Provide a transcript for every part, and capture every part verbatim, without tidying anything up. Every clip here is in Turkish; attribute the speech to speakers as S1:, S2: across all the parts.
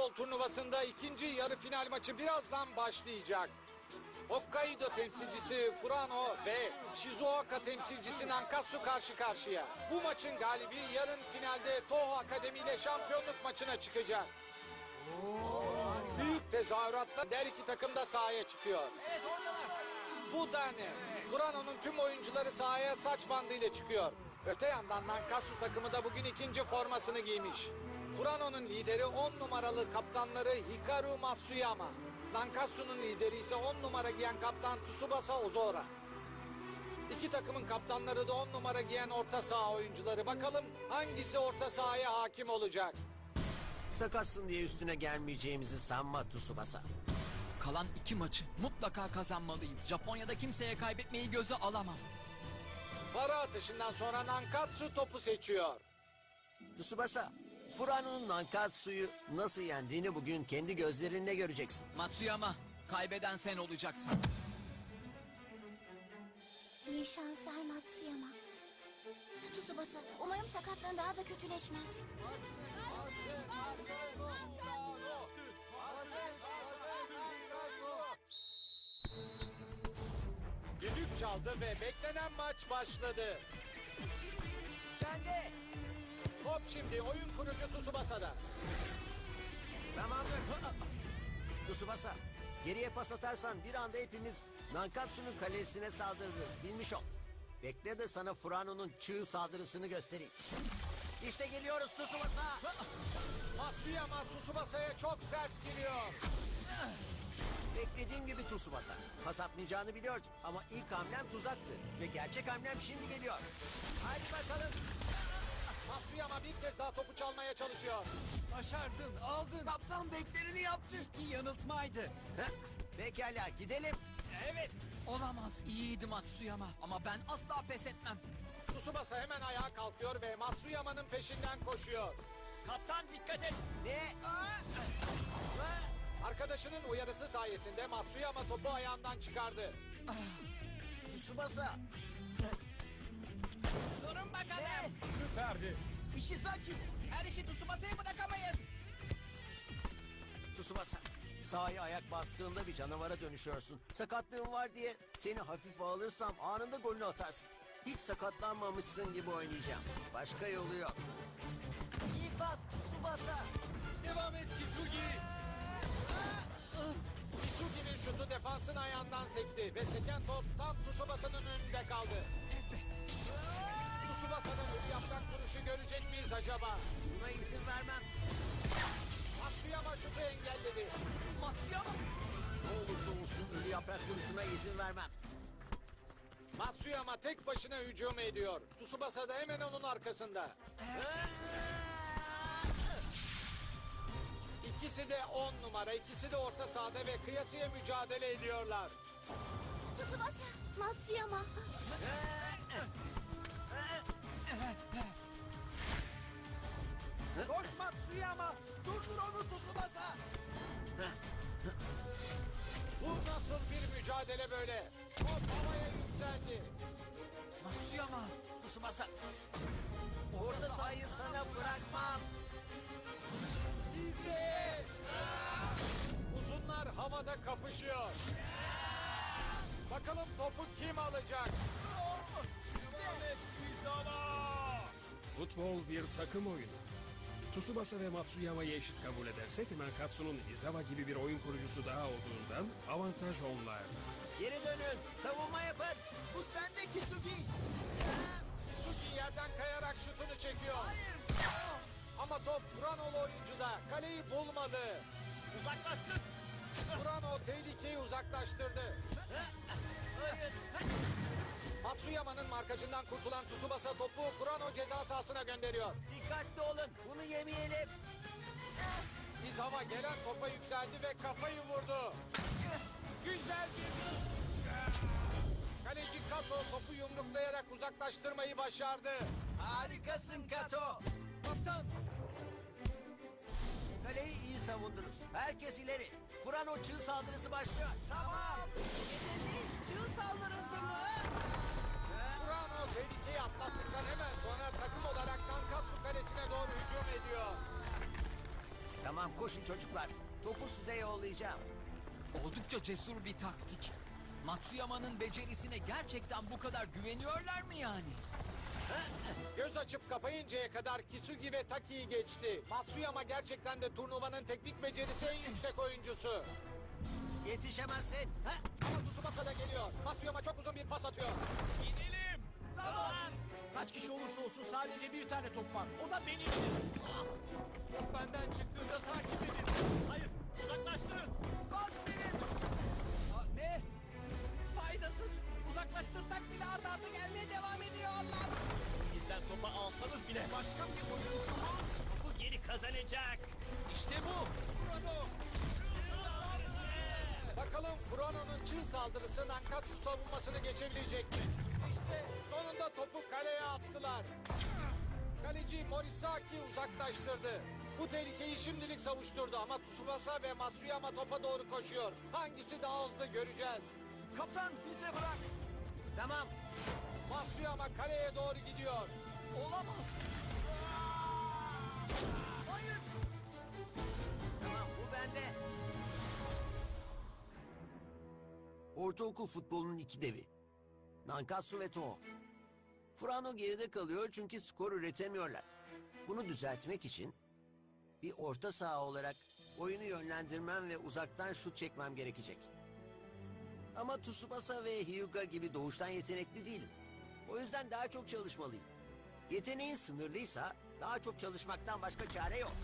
S1: futbol turnuvasında ikinci yarı final maçı birazdan başlayacak. Hokkaido temsilcisi Furano ve Shizuoka temsilcisi Nankatsu karşı karşıya. Bu maçın galibi yarın finalde Toho Akademi ile şampiyonluk maçına çıkacak. Büyük tezahüratla her iki takım da sahaya çıkıyor. Bu da ne? Furano'nun tüm oyuncuları sahaya saç bandıyla çıkıyor. Öte yandan Nankatsu takımı da bugün ikinci formasını giymiş. Furano'nun lideri on numaralı kaptanları Hikaru Matsuyama. Nankatsu'nun lideri ise on numara giyen kaptan Tsubasa Ozora. İki takımın kaptanları da on numara giyen orta saha oyuncuları. Bakalım hangisi orta sahaya hakim olacak?
S2: Sakatsın diye üstüne gelmeyeceğimizi sanma Tsubasa.
S3: Kalan iki maçı mutlaka kazanmalıyım. Japonya'da kimseye kaybetmeyi göze alamam.
S1: Para atışından sonra Nankatsu topu seçiyor.
S2: Tsubasa, Furano'nun Nankatsu'yu nasıl yendiğini bugün kendi gözlerinle göreceksin.
S3: Matsuyama, kaybeden sen olacaksın.
S4: İyi şanslar Matsuyama. Tsubasa, umarım sakatlığın daha da kötüleşmez.
S1: Düdük çaldı ve beklenen maç başladı.
S2: Sen de.
S1: Top şimdi oyun kurucu Tsubasa'da.
S2: Tamamdır. Tsubasa, geriye pas atarsan bir anda hepimiz Nankatsu'nun kalesine saldırırız. Bilmiş ol. Bekle de sana Furano'nun çığ saldırısını göstereyim. İşte geliyoruz Tsubasa.
S1: Matsuyama Tsubasa'ya çok sert giriyor.
S2: Beklediğim gibi Tsubasa. Pas atmayacağını biliyordum ama ilk hamlem tuzaktı. Ve gerçek hamlem şimdi geliyor. Hadi bakalım.
S1: Matsuyama bir kez daha topu çalmaya çalışıyor.
S3: Başardın, aldın.
S2: Kaptan beklerini yaptı.
S3: İyi yanıltmaydı.
S2: Heh, pekala gidelim.
S3: Evet. Olamaz, iyiydi Matsuyama. Ama ben asla pes etmem.
S1: Tsubasa hemen ayağa kalkıyor ve Matsuyama'nın peşinden koşuyor.
S3: Kaptan dikkat et.
S2: Ne?
S1: Arkadaşının uyarısı sayesinde Matsuyama topu ayağından çıkardı.
S2: Tsubasa.
S5: Durun bakalım.
S2: Ne?
S5: Süperdi. Ishizaki. Her işi Tsubasa'ya bırakamayız.
S2: Tsubasa. Sahaya ayak bastığında bir canavara dönüşüyorsun. Sakatlığın var diye seni hafife alırsam anında golünü atarsın. Hiç sakatlanmamışsın gibi oynayacağım. Başka yolu yok.
S5: İyi pas Tsubasa.
S3: Devam et Kisugi.
S1: Isugi'nin şutu defansın ayağından sekti ve seken top tam Tsubasa'nın önünde kaldı.
S3: Evet.
S1: Tsubasa'nın ölü yaprak vuruşu görecek miyiz acaba?
S2: Buna izin vermem.
S1: Matsuyama şutu engelledi.
S3: Matsuyama.
S2: Ne olursa olsun ölü yaprak vuruşuna izin vermem.
S1: Matsuyama tek başına hücum ediyor. Tsubasa da hemen onun arkasında. İkisi de on numara, ikisi de orta sahada ve kıyasıya mücadele ediyorlar.
S4: Tsubasa, Matsuyama.
S5: Koş Matsuyama. Durdur onu Tsubasa.
S1: Bu nasıl bir mücadele böyle? Top havaya yükseldi.
S3: Matsuyama.
S2: Tsubasa. Orta sahayı sana bırakmam.
S3: İzle.
S1: Uzunlar havada kapışıyor. Bakalım topu kim alacak?
S6: Futbol bir takım oyunu. Tsubasa ve Matsuyama'yı eşit kabul edersek Nankatsu'nun Izawa gibi bir oyun kurucusu daha olduğundan avantaj onlarda.
S2: Geri dönün. Savunma yapın. Bu sende Kisugi.
S1: Isugi yerden kayarak şutunu çekiyor. Ama top Furano'lu oyuncuda. Kaleyi bulmadı.
S5: Uzaklaştın.
S1: Furano tehlikeyi uzaklaştırdı.
S2: Hayır.
S1: Matsuyama'nın markajından kurtulan Tsubasa topu Furano ceza sahasına gönderiyor.
S2: Dikkatli olun. Bunu yemeyelim.
S1: Izawa gelen topa yükseldi ve kafayı vurdu. Güzel bir... Kaleci Kato topu yumruklayarak uzaklaştırmayı başardı.
S5: Harikasın Kato.
S3: Kaptan.
S2: Kaleyi iyi savundunuz. Herkes ileri. Furano çığ saldırısı başlıyor.
S5: Tamam. Dedi çığ saldırısı mı?
S1: Furano tehlikeyi atlattıktan hemen sonra takım olarak Nankatsu kalesine doğru hücum ediyor.
S2: Tamam koşun çocuklar. Topu size yollayacağım.
S3: Oldukça cesur bir taktik. Matsuyama'nın becerisine gerçekten bu kadar güveniyorlar mı yani?
S1: Göz açıp kapayıncaya kadar Kisugi ve Taki'yi geçti. Matsuyama gerçekten de turnuvanın teknik becerisi en yüksek oyuncusu.
S2: Yetişemezsin. Ha?
S1: Ama Tsubasa da geliyor. Matsuyama çok uzun bir pas atıyor.
S5: Gidelim. Tamam. Kaç kişi olursa olsun sadece bir tane top var. O da benim. Top benden çıktığında takip edin. Hayır, uzaklaştırın. Bas verin. Aa, ne? Faydasız. Uzaklaştırsak bile arda arda gelmeye devam ediyorlar. Bizden topu alsanız bile. Başka bir oyuncumuz.
S7: Bu geri kazanacak.
S5: İşte bu. Kurano.
S1: Bakalım Furano'nun çığ saldırısı Nankatsu savunmasını geçebilecek mi? İşte sonunda topu kaleye attılar. Kaleci Morisaki uzaklaştırdı. Bu tehlikeyi şimdilik savuşturdu ama Tsubasa ve Matsuyama topa doğru koşuyor. Hangisi daha hızlı göreceğiz.
S5: Kaptan bize bırak.
S2: Tamam.
S1: Matsuyama kaleye doğru gidiyor.
S3: Olamaz.
S5: Hayır.
S2: Tamam bu bende. Ortaokul futbolunun iki devi. Nankatsu ve Toho. Furano geride kalıyor çünkü skor üretemiyorlar. Bunu düzeltmek için bir orta saha olarak oyunu yönlendirmem ve uzaktan şut çekmem gerekecek. Ama Tsubasa ve Hyuga gibi doğuştan yetenekli değilim. O yüzden daha çok çalışmalıyım. Yeteneğin sınırlıysa daha çok çalışmaktan başka çare yok.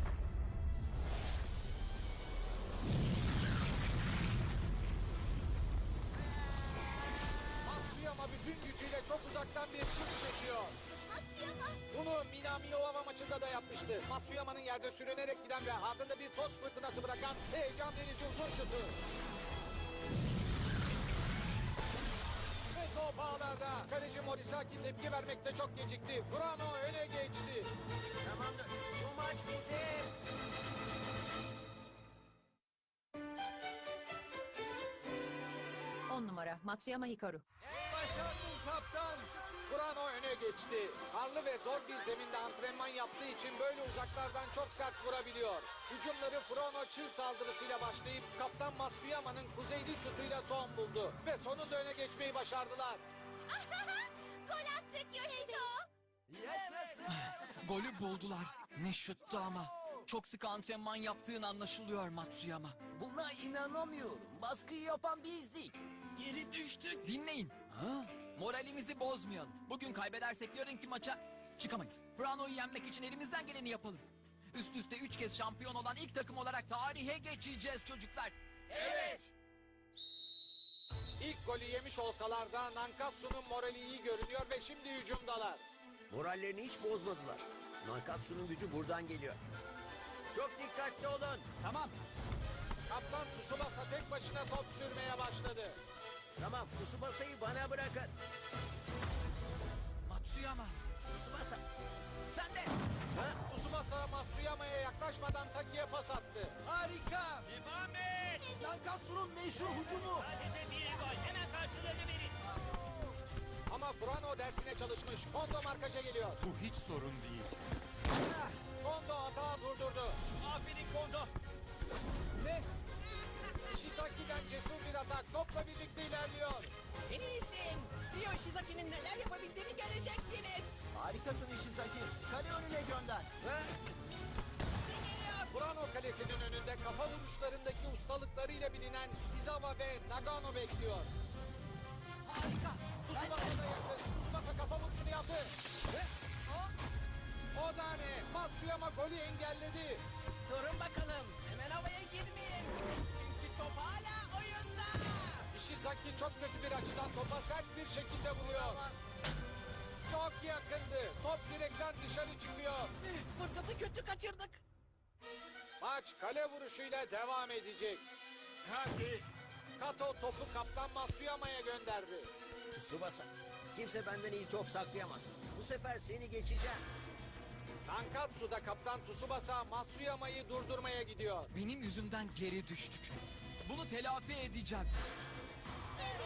S1: Matsuyama bütün gücüyle çok uzaktan bir şut çekiyor.
S4: Matsuyama.
S1: Bunu Minami Owama maçında da yapmıştı. Matsuyama'nın yerde sürünerek giden ve ardında bir toz fırtınası bırakan heyecan verici uzun şutu. Ve top ağlarda. Kaleci Morisaki tepki vermekte çok gecikti. Furano öne geçti.
S2: Tamamdır. Bu maç bizim.
S8: On numara Matsuyama Hikaru.
S5: Başardın kaptan.
S1: Furano öne geçti. Karlı ve zor bir zeminde antrenman yaptığı için böyle uzaklardan çok sert vurabiliyor. Hücumları Furano çığ saldırısıyla başlayıp kaptan Matsuyama'nın kuzeyli şutuyla son buldu. Ve sonunda öne geçmeyi başardılar.
S4: Gol attık Yoshito.
S5: Yaşasın.
S3: Golü buldular. Ne şuttu ama. Çok sık antrenman yaptığın anlaşılıyor Matsuyama.
S5: Buna inanamıyorum. Baskıyı yapan biz değil. Geri düştük.
S3: Dinleyin. Moralimizi bozmayalım. Bugün kaybedersek yarınki maça çıkamayız. Furano'yu yenmek için elimizden geleni yapalım. Üst üste üç kez şampiyon olan ilk takım olarak tarihe geçeceğiz çocuklar.
S1: İlk golü yemiş olsalar da Nankatsu'nun morali iyi görünüyor ve şimdi hücumdalar.
S2: Morallerini hiç bozmadılar. Nankatsu'nun gücü buradan geliyor. Çok dikkatli olun.
S5: Tamam.
S1: Kaptan Tsubasa tek başına top sürmeye başladı.
S2: Tamam, Tsubasa'yı bana bırakın.
S3: Matsuyama
S2: Tsubasa.
S3: sen de.
S2: Ha?
S1: Tsubasa Matsuyama'ya yaklaşmadan Taki'ye pas attı.
S5: Harika.
S7: Devam et.
S5: Nankatsu'nun meşhur hücumu.
S7: Sadece bir gol. Hemen karşılığını verin.
S1: Ama Furano dersine çalışmış. Kondo markaja geliyor.
S9: Bu hiç sorun değil.
S1: Kondo hata durdurdu.
S5: Aferin Kondo. Ne?
S1: Ishizaki'den cesur bir atak topla birlikte ilerliyor.
S5: Beni izleyin. Ryo Ishizaki'nin neler yapabildiğini göreceksiniz. Harikasın Ishizaki. Kale önüne gönder.
S1: Furano kalesinin önünde kafa vuruşlarındaki ustalıklarıyla bilinen Izawa ve Nagano bekliyor.
S3: Harika.
S1: Tsubasa da yakın. Tsubasa kafa vuruşunu yaptı. O da ne? Matsuyama golü engelledi.
S5: Durun bakalım. Hemen havaya girmeyin. Çünkü top hala oyunda.
S1: Ishizaki çok kötü bir açıdan topa sert bir şekilde vuruyor. Çok yakındı. Top direkten dışarı çıkıyor.
S5: Fırsatı kötü kaçırdık.
S1: Maç kale vuruşuyla devam edecek.
S9: Hadi.
S1: Kato topu kaptan Matsuyama'ya gönderdi.
S2: Tsubasa. Kimse benden iyi top saklayamaz. Bu sefer seni geçeceğim.
S1: Nankatsu'da kaptan Tsubasa Matsuyama'yı durdurmaya gidiyor.
S3: Benim yüzümden geri düştük. Bunu telafi edeceğim.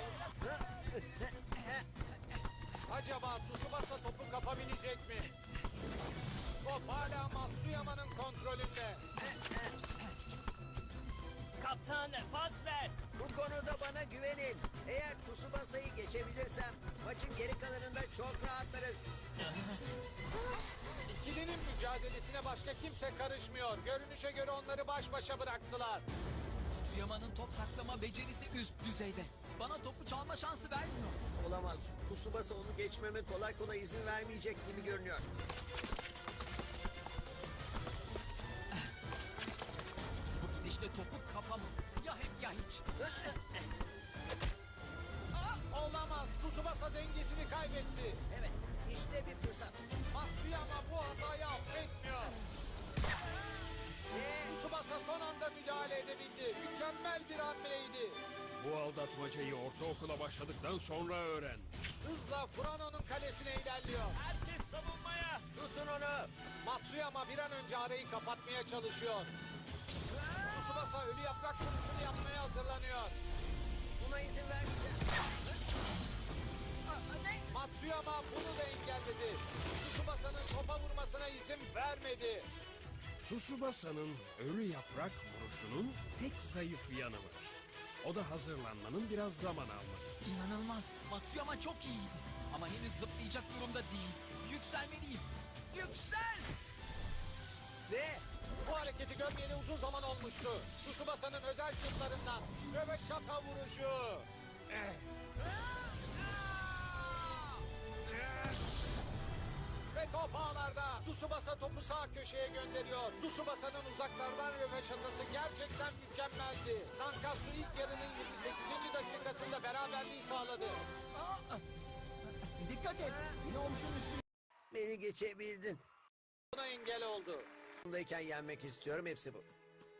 S1: Acaba Tsubasa topu kapabilecek mi? Top hala Matsuyama'nın kontrolünde.
S7: Kaptan pas ver.
S2: Bu konuda bana güvenin. Eğer Tsubasa'yı geçebilirsem maçın geri kalanında çok rahatlarız.
S1: İkilinin mücadelesine başka kimse karışmıyor. Görünüşe göre onları baş başa bıraktılar.
S3: Matsuyama'nın top saklama becerisi üst düzeyde. Bana topu çalma şansı vermiyor.
S2: Olamaz. Tsubasa onu geçmeme kolay kolay izin vermeyecek gibi görünüyor.
S3: Bu gidişle topu kapamam. Ya hep ya hiç.
S1: Olamaz. Tsubasa dengesini kaybetti.
S2: Evet, işte bir fırsat.
S1: Matsuyama bu hatayı affetmiyor. Tsubasa son anda müdahale edebildi. Mükemmel bir hamleydi.
S6: Bu aldatmacayı ortaokula başladıktan sonra öğren.
S1: Hızla Furano'nun kalesine ilerliyor.
S5: Herkes savunmaya.
S2: Tutun onu.
S1: Matsuyama bir an önce arayı kapatmaya çalışıyor. Tsubasa ölü yaprak vuruşunu yapmaya hazırlanıyor.
S2: Buna izin vermeyeceğim.
S1: Matsuyama bunu da engelledi. Tsubasa'nın topa vurmasına izin vermedi.
S6: Tsubasa'nın ölü yaprak vuruşunun tek zayıf yanı var. O da hazırlanmanın biraz zaman alması.
S3: İnanılmaz. Matsuyama çok iyiydi. Ama henüz zıplayacak durumda değil. Yükselmeliyim. Yüksel!
S2: Ve
S1: Bu hareketi görmeyeli uzun zaman olmuştu. Tsubasa'nın özel şutlarından röveşata vuruşu. Ve top ağlarda. Tsubasa topu sağ köşeye gönderiyor. Tsubasa'nın uzaklardan röveşatası gerçekten mükemmeldi. Nankatsu ilk yarının yirmi sekizinci dakikasında beraberliği sağladı.
S5: Dikkat et. Yine omzun üstüne.
S2: beni geçebildin.
S1: Buna engel oldu.
S2: Bundayken yenmek istiyorum, hepsi bu.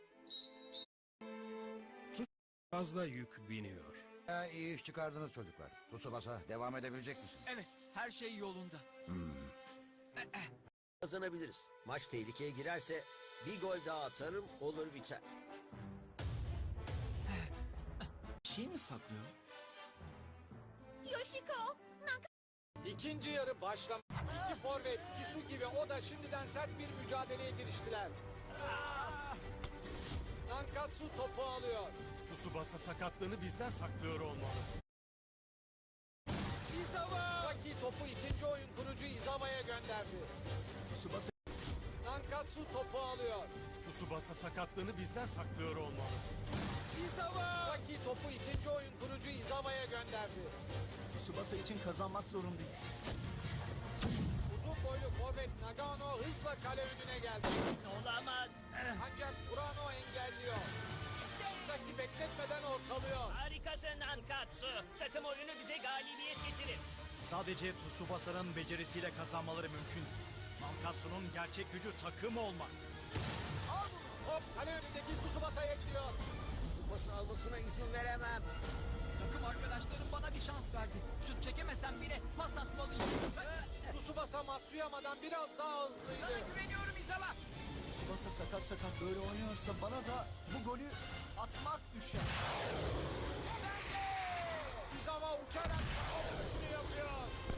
S6: Fazla yük biniyor.
S8: Ya, iyi iş çıkardınız çocuklar. Tsubasa devam edebilecek misin?
S3: Evet, her şey yolunda.
S2: Kazanabiliriz. Maç tehlikeye girerse bir gol daha atarım, olur biter.
S5: Bir şey mi saklıyor?
S4: Yoshiko,
S1: İkinci yarı başlam. İki forvet Kisugi ve Oda şimdiden sert bir mücadeleye giriştiler. Nankatsu topu alıyor.
S9: Tsubasa sakatlığını bizden saklıyor olmalı.
S1: Saki topu ikinci oyun kurucu Izawa'ya gönderdi.
S5: Tsubasa
S1: Nankatsu topu alıyor.
S9: Tsubasa sakatlığını bizden saklıyor olmalı.
S1: Saki topu ikinci oyun kurucu Izawa'ya gönderdi.
S5: Tsubasa için kazanmak zorundayız.
S1: Uzun boylu forvet Nagano hızla kale önüne geldi.
S7: Olamaz.
S1: Ancak Furano engelliyor. Saki bekletmeden ortalıyor.
S7: Harikasın Nankatsu. Takım oyunu bize galibiyet getirir.
S5: Sadece Tsubasa'nın becerisiyle kazanmaları mümkün. Nankatsu'nun gerçek gücü takım olmak.
S1: Top kale önündeki Tsubasa'ya gidiyor.
S2: Bu pası almasına izin veremem.
S3: Takım arkadaşlarım bana bir şans verdi. Şut çekemesem bile pas atmalıyım.
S1: Tsubasa Matsuyama'dan biraz daha
S3: Sana
S1: hızlıydı.
S3: güveniyorum İzawa.
S5: Tsubasa sakat sakat böyle oynuyorsa bana da bu golü atmak düşer.
S1: Izawa uçarak vuruşunu yapıyor.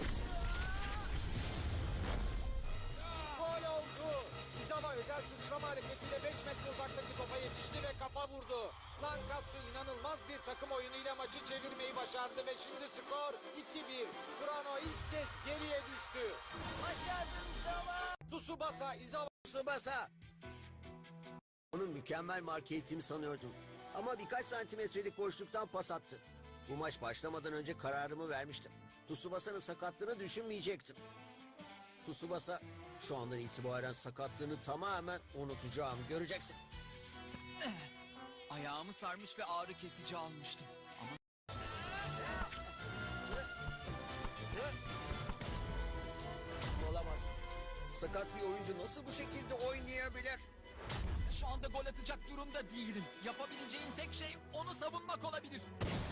S1: Gol oldu. Izawa özel sıçrama hareketiyle beş metre uzaktaki topa yetişti ve kafa vurdu. Nankatsu inanılmaz bir takım oyunuyla maçı çevirmeyi başardı ve şimdi skor iki bir. Furano ilk kez geriye düştü. Başardın Izawa. Tsubasa, Izawa.
S2: Tsubasa! Onu mükemmel marke ettiğimi sanıyordum. Ama birkaç santimetrelik boşluktan pas attı. Bu maç başlamadan önce kararımı vermiştim. Tsubasa'nın sakatlığını düşünmeyecektim. Tsubasa şu andan itibaren sakatlığını tamamen unutacağım. Göreceksin.
S3: Ayağımı sarmış ve ağrı kesici almıştım. Ama
S2: Olamaz. Sakat bir oyuncu nasıl bu şekilde oynayabilir?
S3: şu anda gol atacak durumda değilim. Yapabileceğim tek şey onu savunmak olabilir.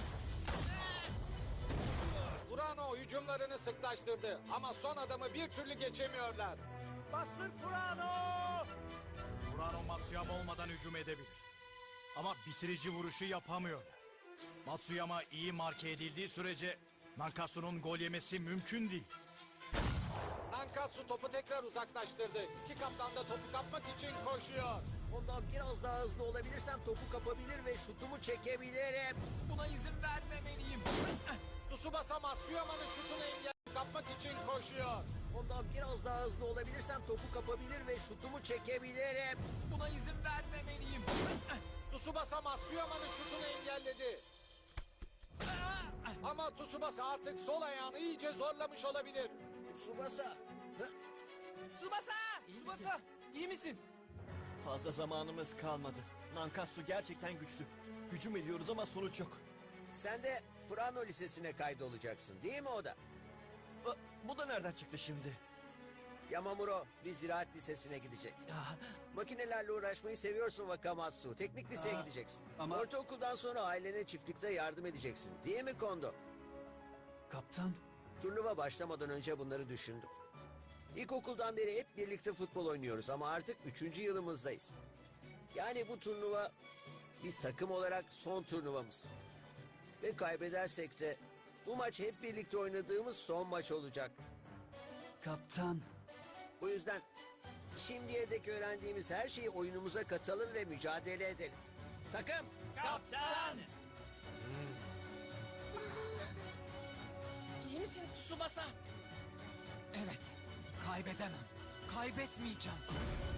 S1: Furano hücumlarını sıklaştırdı ama son adamı bir türlü geçemiyorlar.
S5: Bastır Furano! Furano Matsuyama olmadan hücum edebilir. Ama bitirici vuruşu yapamıyor. Matsuyama iyi marke edildiği sürece Nankatsu'nun gol yemesi mümkün değil.
S1: Nankatsu topu tekrar uzaklaştırdı. İki kaptan da topu kapmak için koşuyor.
S2: Ondan biraz daha hızlı olabilirsem topu kapabilir ve şutumu çekebilirim.
S3: Buna izin vermemeliyim.
S1: Tsubasa Matsuyama'nın şutunu engel kapmak için koşuyor.
S2: Ondan biraz daha hızlı olabilirsem topu kapabilir ve şutumu çekebilirim.
S3: Buna izin vermemeliyim.
S1: Tsubasa Matsuyama'nın şutunu engelledi. Ama Tsubasa artık sol ayağını iyice zorlamış olabilir.
S2: Tsubasa. Hı?
S5: Tsubasa! Tsubasa! İyi misin?
S10: Fazla zamanımız kalmadı. Nankatsu gerçekten güçlü. Hücum ediyoruz ama sonuç yok.
S2: Sen de Furano Lisesi'ne kaydolacaksın değil mi o da?
S10: Aa, bu da nereden çıktı şimdi?
S2: Yamamuro bir ziraat lisesine gidecek. Makinelerle uğraşmayı seviyorsun Wakamatsu. Teknik liseye
S10: Aa,
S2: gideceksin.
S10: ama-
S2: Ortaokuldan sonra ailene çiftlikte yardım edeceksin. Değil mi Kondo?
S10: Kaptan.
S2: Turnuva başlamadan önce bunları düşündüm. İlkokuldan beri hep birlikte futbol oynuyoruz ama artık üçüncü yılımızdayız. Yani bu turnuva bir takım olarak son turnuvamız. Ve kaybedersek de bu maç hep birlikte oynadığımız son maç olacak.
S10: Kaptan.
S2: Bu yüzden şimdiye dek öğrendiğimiz her şeyi oyunumuza katalım ve mücadele edelim. Takım!
S7: Kaptan!
S5: İyi misin Tsubasa?
S3: Evet, kaybedemem. Kaybetmeyeceğim.